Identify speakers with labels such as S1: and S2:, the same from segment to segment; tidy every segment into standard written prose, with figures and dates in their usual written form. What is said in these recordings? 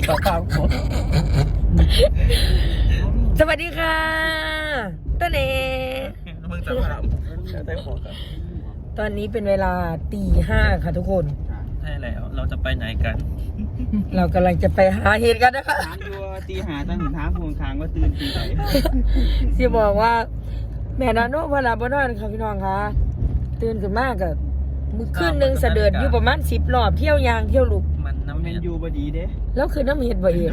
S1: ต่อข้าวผม
S2: สวัสดีค่ะต้นเอ
S1: มึงจะถามใช่ผมครับ
S2: ตอนนี้เป็นเวลาตีห้าค่ะทุกคน
S1: ใช่แล้วเราจะไปไหนกัน
S2: เรากำลังจะไปหาเห็ดกันนะคะ
S3: ถามดูตีหาตั้งถึงท้าพวงคางว่าตื่นตีไหน
S2: ที่บอกว่า แม่นาโนพลาบนอนค่ะพี่น้องคะตื่นขึ้นมากกับมือขึ้นหนึ่งเสด็จอยู่ประมาณ10 รอบเที่ยวยางเที่ยวลุก
S1: มันน้ำ
S3: แม
S1: เห็
S3: น
S1: ด
S3: ยูบดีเด้
S2: แล้วคือน้ำเห็ดบ่เอง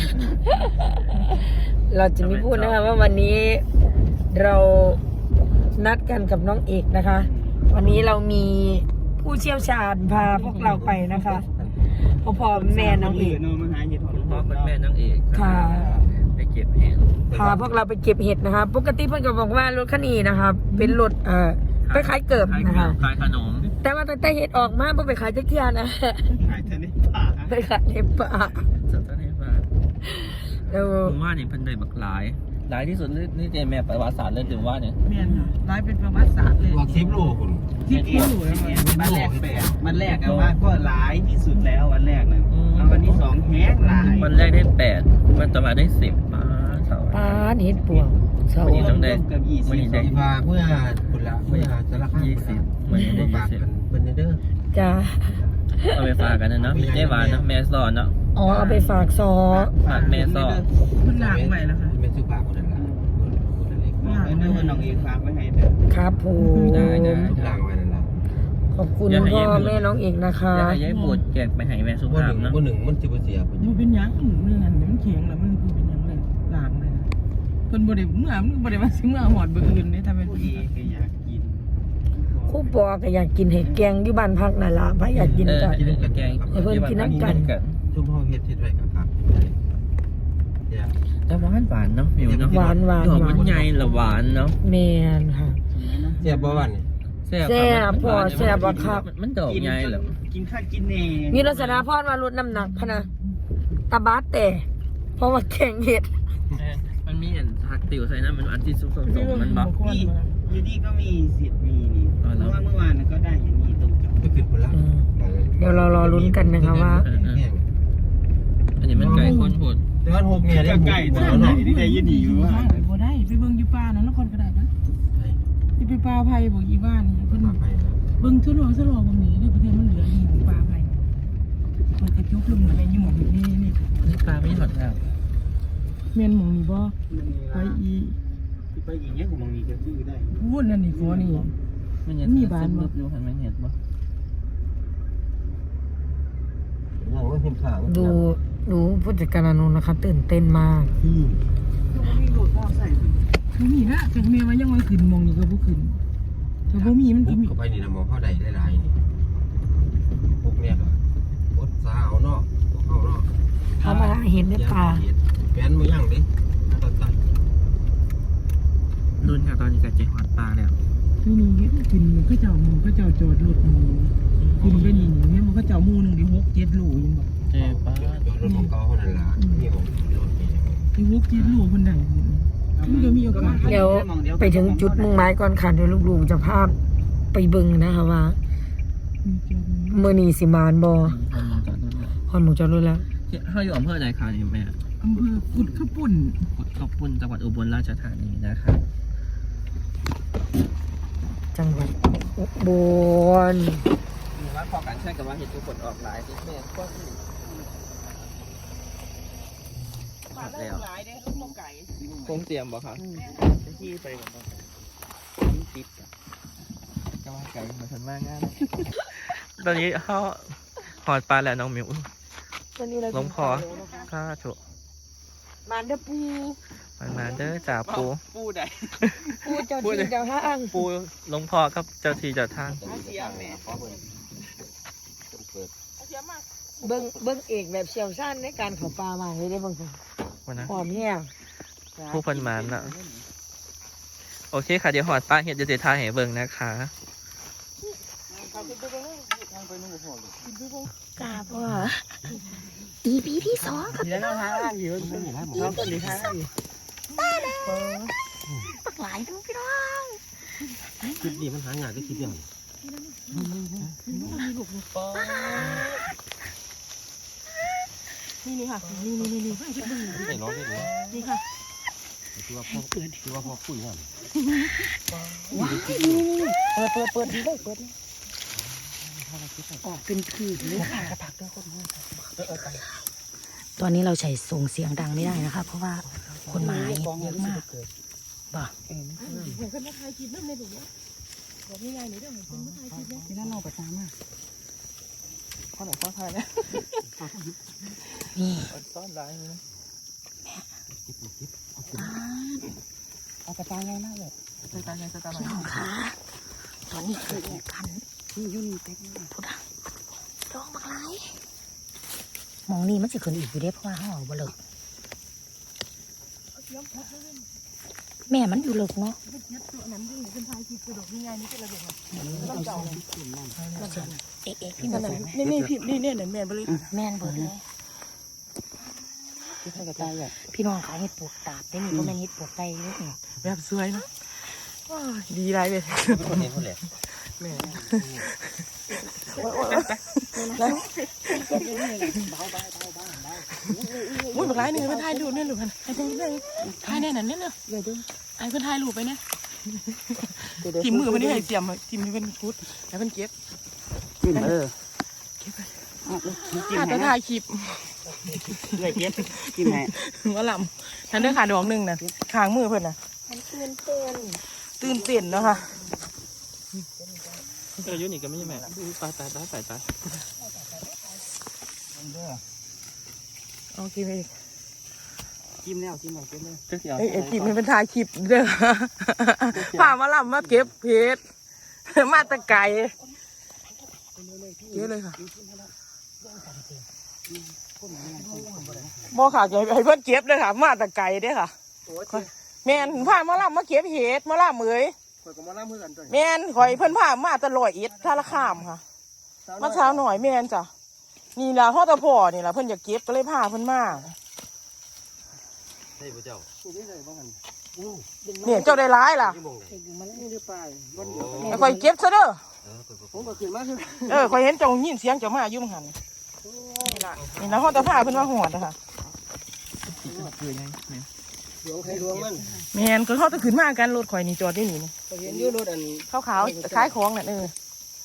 S2: เราจะไม่พูดนะคะว่าวันนี้เรานัดกันกับน้องเอกนะคะ วันนี้เรามีผู้เชี่ยวชาญพาพวกเราไปนะคะพ่อแม่น้องเอก
S3: น้องมาหาเห็ดหอม
S1: พ่อเป็นแม่นางเอก
S2: ค่ะ
S1: ไปเก็บเห็ด
S2: พาพวกเราไปเก็บเห็ดนะคะปกติเพื่อนก็บอกว่ารถคันนี้นะคะเป็นรถไปขายเกิบนะคะ
S1: ขายขนม
S2: แต่ว่าตั้งแต่เห็ดออกมาเพื่อไปขายจักรยานนะ
S3: ขายเทนนิสป่า
S2: ไปขายในป่า
S1: สตาร์ทฟ้า
S2: แล้ว
S1: ผมว่าเนี่ยเพิ่นได้บักหลายที่สุดนี่เจแม่ประวัติศาสตร์เลยถึงว่าเนี่ย
S4: เมียนค่ะร้ายเป็นประวัติศาสตร์เลย
S5: บอก10 โลคุณ
S3: ที่กินวันแรกแปดวันแรกอะว่าก็หลายที่สุดแล้ววันแรกนั้นวันที่สองแห้งหลาย
S1: วันแรกได้8วันต่อมาได้10มาเสาร์
S2: ปลาเห็ดปวงเสา
S1: วันนี้ต้องได้
S3: เกือบ20
S1: วันนี้ได้
S5: ที่ว่าเมื่อคุณละเมื่อจะราคา
S1: 20วันนี้ได้
S5: ฝากกันเพิ่นเด้อ
S2: จ้า
S1: เอาไปฝากกันนะเนาะได้หวานเนาะแม่สอนเนาะ
S2: อ๋อเอาไปฝากซอ
S1: ฝากแม่สอน
S4: มันหลากใหม่แล้วค่ะ
S5: เป็นสุภาพคนนั้นล่ะคนนั้นเล็ก
S3: บอกให้เด้อน้องเอกฝากไว้ให้เด้อ
S2: ครับผม
S1: ได้
S5: ล่างไว้นั่นล่ะ
S2: ขอบคุณพ่อแม่น้องเอกนะคะ
S1: อยากให้ยายบูดแจกไปให้แม่สุ
S5: บ่
S1: ภา
S5: ห
S1: พ
S5: นึ่ง
S1: เนาะ
S5: บ่หนึ่งมันสิบ่เสียเพิ่น
S4: มันเป็นหยังเรื่องนั้นมันเขียงแล้วมันเป็นหยังเลยหลากเลยนะเพิ่นบ่ได้เมื่อมันบ่ได้ว่าสิเมื่อหอดเบอร์อื่นนี่ถ้าเป็น
S3: ผู้
S4: พี่
S3: เอกก็อยากกิน
S2: ครู่ปอก็อยากกินเห็ดแกงอยู่บ้านพักนั่นล่ะพระอยากกินก็
S1: กินแกง
S2: ให้เพิ่นกินน้ำกัน
S5: ชุมพ่อเฮ็ดไว้กับครับเนี่ย
S1: แต่หวานเนาะมิวเนาะ
S2: หวาน
S1: ดอกมันใหญ่ละหวานเนาะ
S2: แมนค่ะ
S5: เสียบ่วันนี่
S2: แซ่บพ่อแซ่บบ่ครับ
S1: มันดอกใหญ่เหรอ
S3: กินข้าวกินเน่
S2: มีลักษณะพอดว่าลดน้ำหนักพะนะตาบาดแต่เพราะว่าแกงเห็ด
S1: มันมีอันผักติ๋วใส่นะมันอันที่สุกๆมันบอก
S3: นี่อยู่นี่ก็มีสิทธิ์มีนี่เพราะว่าเมื่อวานก็ได้อย่างนี้ตรงกับ
S5: ไปขึ้นพุ่นละ
S2: เดี๋ยวเรารอลุ้นกันนะคะว่า
S1: อันนี้มันไก่ข้นผด
S5: แต่ว่า6เนี่ยได้
S3: ไก่ตัวไหนที่ได้ยืนอยู่ว่า
S4: บ่ได้ไปเบิ่งอยู่ป่านั้นนครก็ได้นะที่ไปป่าไผ่บอกอีบ้านนี่เพิ่นเบิ่งทั่วโลกบางนี้ได้ประเทศมันเหลืออยู่ป่าไผ่มันกระจุกลงอะไรอยู่หม่องนี่
S1: นี่ปลาไม่หลอดแล้ว
S4: แม่นหม่องนี่บ่ไปอี
S3: ไปอย่างเงี้ยผมมองนี่ก็ซื้อได้
S4: พูดนั่นนี่ฟอนี่
S1: มันยังมีบ้านบึบอยู่เห็นไหมเห็นปะ
S5: ยังว่าเห็นข้าง
S2: ดูผู้จัดการอนุนะคะ ตื่นเต้นมาก
S3: มีโหลดพ่อใส่
S4: บ่มีนะจังแม่ว่ายังว่าขึ้นหม่องนี่ก็บ่ขึ้นถ้าบ่มีมันก็มี
S5: เข้าไปนี่นะมองเข้าได้หลายๆนี่6เนี่ยก็อดสาวเนาะเข้าเนาะ
S2: เขามาเห็นในป่า
S5: แฟนมือย่างดิตัด
S1: รุ่นค่ะตอนนี้กับเจ๊หอดปลาแล้ว
S4: นี่นี่ขึ้นเขาเจ้าหมู่เขาเจ้าจอดรถหมู่ขึ้นไปนี่เนี่ยมันเขาเจ้าหมู่นึงได้6-7 โลยังบ่
S1: เจ๊ปลา
S5: จอดรถของเก่าคนนั้นล่ะนี่ผมรถนี่
S4: ที่6-7 โลเพิ่นได้มันก็มีโอกาส
S2: เดี๋ยวไปถึงจุดมุ่งหมายก่อนค่ะเดี๋ยวลูกๆจะพาไปเบิ่งนะคะว่าเมื่อนี้สิมานบอฮอนหมูจอดรถแล้ว
S1: เขาอยู่อำเภอไหนคะนี่แม่
S4: อำเภอกุดข้าวปุ่น
S1: กุดขอบคุณจังหวัดอุบลราชธานีนะครับ
S2: จังหวัดอุบล
S1: ว่าพอการใช้กับว่าเห็ดทุกคนออกหลายที่แม่ก็แล้ว
S4: หลายเด้ลูกมไก่
S1: ผมเตรียมบ่ครับที่ไปก่อนติดก็ว่าไก่มาทันมากงานตอนนี้เขาหอดปลาแล้วน้องมิวลงคอข้าถูก
S2: มานเด้อปู
S1: มาเด้อจ่าปู
S3: ปูได้
S2: ปูเจ้าที่เจ้าห้าง
S1: ปูลงพอครับเจ้าทีเจ้าทาง
S3: เสียแม่
S2: เบิ้งเอกแบบเชี่ยวชาญในการเขาปลามาให้ได้เบางคน
S1: วันนะ
S2: หอมแห้ง
S1: ผู้พันหมานน่ะโอเคค่ะเดี๋ยวหอดปลาเห็ดจะเสียทางให้เบิ่งนะคะ
S2: กาบว่า EP ที่ 2ครับ
S3: เดี๋ยวเราหาอยู่น้องคนนี้หาอยู่
S2: ปักหลายทั้งพี่น้อง
S5: คลิปนี้มันหางานก็คลิปอย่าง
S4: นี่ค่ะนี่
S5: ใส่ร้อนได้เลย
S4: นี่ค่ะ
S5: คือว่าพ่อคุยว่า
S2: ว้ายเปิดดีเลยเปิดออกเป็นผืนเลยค่ะตอนนี้เราใช้ส่งเสียงดังไม่ได้นะคะ เพราะว่าคนมาเยอะมากบ่
S4: เหมือนคนมาถ่ายคลิปนั่นเลยถูกไหมบอกง่ายๆหน่อยเด้อเหมือนคนมาถ่ายคลิปนะที่นั่นเราประจำอ่ะ
S1: ข้อไหนข้อไทยนะ
S2: นี่
S1: ซ่อนร้ายเลยนะ
S4: เอาประจำง่ายมากเลย
S1: ใส่ตาใส่ตาหน่อย
S2: พี่น้องคะตอนนี้คือกัน
S4: นี่ยุ่นเต็ม
S2: พุทธร้องบักไรมองนี่มันจะขึ้นอีกอยู่ได้เพราะว่าห้องบ่เลิกแม่มันอยู่เลิกเนาะ
S4: ตัวนั้นยิ่งเป็นถ่ายคลิปกระโดดง่ายๆนี่เป็นระเบิด
S2: เอ๊ะพี่มัน
S4: นี่พี่นี่เนี่ยแม่ไปเลย
S2: แม่นเบิดเลย
S4: ที่ใส่กระจายอ่ะ
S2: พี่น้องขายเห็ดปวกตาบได้มีก็แม่นเห็ดปวกไตนี่นี่
S4: แบบสวยนะดีไรเลย
S5: คนเห็นคนแหละ
S4: แม่มุ้ยบักไรหนึ่งเป็นถ่ายรูปเนี่ยหรือเปล่าถ่ายแน่นั่นเนี่ยเนาะไอ้เพื่อนถ่ายรูปไปเนี่ยทีมมือมันนี่ให้เสียมทีมนี้เป็นฟุตแล้วเป็นเก็บ
S3: จิ้มจิ้ม
S4: ขาดแต่ถ่ายคลิป
S3: เลยเก็บจิ้มให้
S4: ว่าลำนั่นเด้อขาดอกหนึ่งนะขางมือเพื่อนนะตื่นเต้นเนาะค่ะ
S1: ยุ่นี่ก็ไม่ใช่แม่ตาย
S4: โอเคไป
S3: จิ้มแล้วจิ้มแล้วจิ้มเลย
S4: ไอ้คลิปมันเป็นถ่ายคลิปเด้อพามาลำมาเก็บเพชรมาตะไก่เยอะเลยค่ะบ่ค่ะให้เพื่อนเก็บเลยค่ะมาตะไก่เด้อค่ะแม่นพามาลำมาเก็บเห็ดมาลำเอ้ย
S3: ข่อยก็มาล่ามือกันจ้ะ
S4: แม่นข่อยเพิ่นพามาตะลอยเอ็ดท่าละข้ามค่ะมาเช้าหน่อยแม่นจ้ะนี่ล่ะพ่อตะพ่อนี่ล่ะเพิ่นอยากเก็บก็เลยพาเพิ่นมา
S5: ใช่พระเจ้า
S3: นี่เลยบ้างกัน
S4: เนี่ยเจ้าได้ร้ายล่ะ
S5: ที่มองไหน
S3: มันนี่หรือเปล่า
S4: แล้วข่อยเก็บซะเด้อ
S3: ผมก็ขึ้นมาคือ
S4: ข่อยเห็นเจ้ายินเสียงเจ้ามาอยู่มั้งหันนี่ล่ะพ่อตะพาเพิ่นมาหอดนะคะ
S1: คือยังไง
S3: หลวงใครหลวงมัน
S4: แม่นก็เขาจะขึ้นมากันรถข่อยนี่จอดได้นี่นี่
S3: ก็เห็นอยู่รถอัน
S4: ขาวๆคล้ายของน่ะ
S3: อันเลย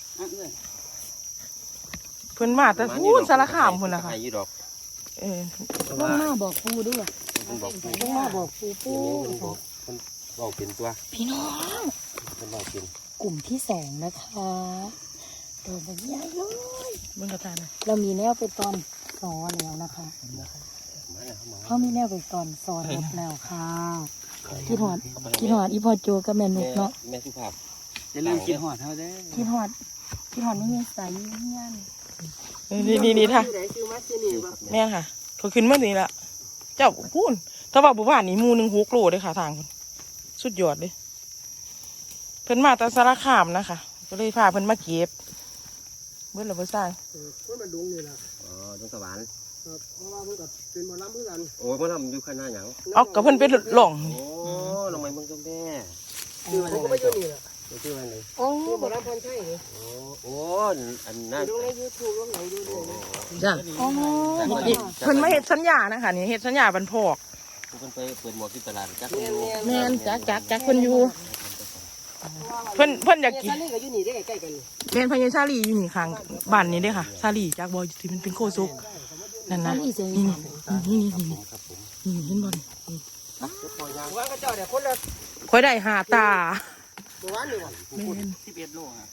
S4: เพิ่นมาแต่พูนสารคามพุ่นล่ะค่ะ
S5: ไอ้ยี่ดอก
S2: ลงมาบอกปูด้วย
S5: มันบอก
S2: ลงมาบอกปู
S5: มันบอกมันบอกเป็นตัว
S2: พี่น้อง
S5: มันบอกเป็น
S2: กลุ่มที่สองนะคะโดนแบบใหญ่เลย
S4: เบิ่งกระตาน่ะ
S2: เรามีแนวไปตอนสอนแล้วนะคะเขามีแนวไปตอนสอนหมดแล้วค่ะคิดหอดอีพอโจกับแม่นุกเนาะ
S5: แม่สุภาพ
S3: จะลืมกินหอดเท่าเด้
S2: คิดหอดไม่มีสายเงี้ยน
S4: นี่ค่ะ
S3: ไหนซื้อมาซื้อนี่บ่
S4: แม่นค่ะเขาขึ้นมานี่ละเจ้าพูนถ้าว่าบุบ้านนี่หมูหนึ่ง6 โลเลยค่ะทางเพิ่นสุดยอดเลยเพิ่นมาแต่สารคามนะคะก็เลยพาเพิ่นมาเก็บเบิ่งแล้วเพิ่นสร้าง
S3: คนมันดุงนี่ล่ะ
S5: อ๋อดงสวรรค์
S3: ครับเพราะว่าเพิ่นก็เป็นหมอลำเพื่อนกัน
S5: โอ้ยมันทำอยู่ข้างหน้าหยัง
S4: เอากับเพิ่นเป็นหล่อง
S5: โอ้ลงไปมึงก็แม่
S3: คือผมก็ไปอยู่นี่แหละ
S5: ชื่ออะไรเลย
S2: โอ้
S3: คือหมอลำพรชัยนี่
S5: โอ้อันนั้น
S3: ดูใน YouTube ลงไหนดูเลย
S2: จ้ะ
S4: เพิ่นมาเฮ็ดสัญญานะคะนี่เฮ็ดสัญญาบันพอก
S5: มันไปเปิดหมวกที่ตลาดจัก
S4: แม่นจักเพิ่นอยู่เพิ่นอยากกิน
S3: ซาลี่ก็อยู่นี่ได้ใกล้กันนี่
S4: แม่นพญาชาลีอยู่นี่ข้างบ้านนี้เด้อค่ะชาลีจากบ่ที่มันเป็นโคซุกนั่นนะนี่
S5: ครับผม
S4: เห็นบ่นี่
S3: ว่าก็เจ้าเนี่ยคนละ
S4: ค่อยได้หาตา
S3: ตัววันนี่บ่
S4: แม่น
S3: 11โลฮะ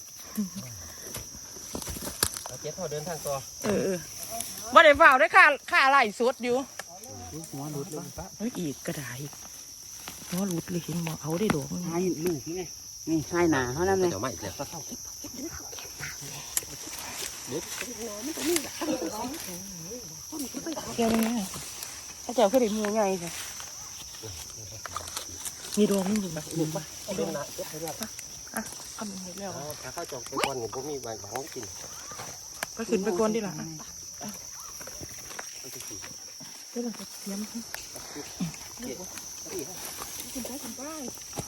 S5: เอาเจ็บพอเดินทางต่อ
S4: บ่ได้เฝ้าได้ค่าไหลสดอยู่
S3: หัวหลุดเลย
S4: เฮ้ยอีกกระดาษอีกหัวหลุดเลยเห็นบ่เอาได้ดอก
S3: ให้ลูกนี่ไงนี่ใช่หนาเท่านั้นเลย
S5: เดี๋ยวมาอีกแล้วก็เข้า
S4: เกี่ยวนี่ถ้าเจ้าคือได้มือใหญ่จ้ะมีดอกนึงอยู่แบบหลุดป่ะ
S5: เดินนะเจ็บไปแล้ว
S4: ทำหมดแล้ว
S5: ถ้าเข้าจองไปก่อนเนี่ยผมมีบางของกิน
S4: ไปขึ้นไปก่อนดิล่ะ
S5: ไปสิ
S4: เดี๋ยวเราจะเตรียม
S5: เจ็บ
S4: ขึ้นไป